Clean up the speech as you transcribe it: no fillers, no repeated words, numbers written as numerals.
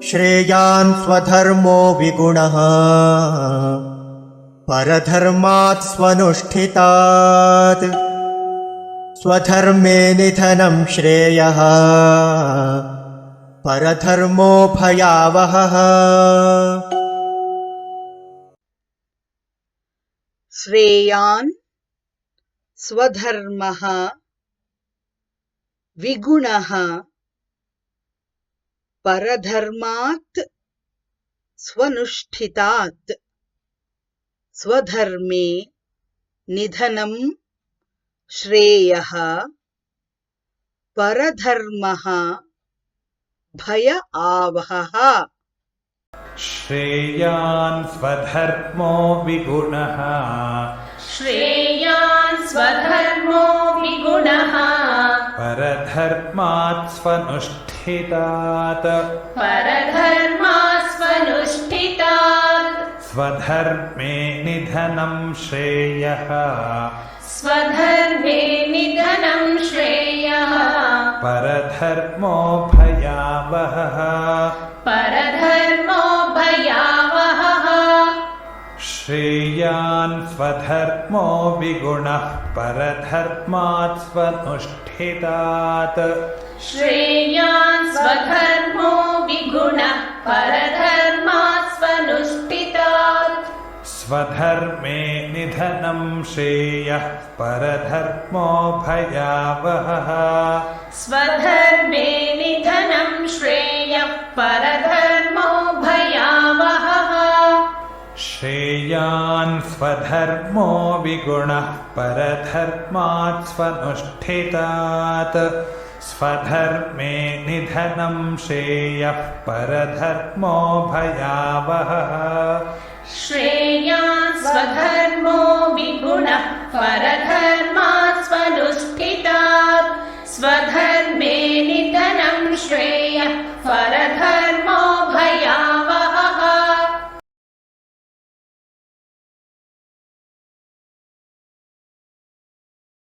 श्रेयान् स्वधर्मो विगुणः परधर्मात् स्वनुष्ठितात् स्वधर्मे निधनं श्रेयः परधर्मो भयावहः। श्रेयान् स्वधर्मः विगुणः परधर्मात् स्वनुष्ठितात् स्वधर्मे निधनं श्रेयः परधर्मः भय आवहः। श्रेयान् स्वधर्मो विगुणः श्रेयान् स्वधर्मो विगुणः परधर्मात् स्वनुष्ठितात् परधर्मात् स्वनुष्ठितात् स्वधर्मे निधनं श्रेयः स्वधर्मे निधनं श्रेयः परधर्मो भयावहः परधर्मो भयावहः। श्रेयान् स्वधर्मो विगुणः परधर्मात् स्वनुष्ठितात् श्रेयान् स्वधर्मो विगुणः परधर्मात् स्वनुष्ठितात् स्वधर्मे निधनं श्रेयः परधर्मो भयावहः स्वधर्मे निधनं श्रेयः परधर्मो भयावहः। श्रेयान् स्वधर्मो विगुणः परधर्मात् स्वनुष्ठितात् स्वधर्मे निधनं श्रेयः परधर्मो भयावहः श्रेयान् स्वधर्मो विगुणः परधर्मात् स्वनुष्ठितात् स्वधर्मे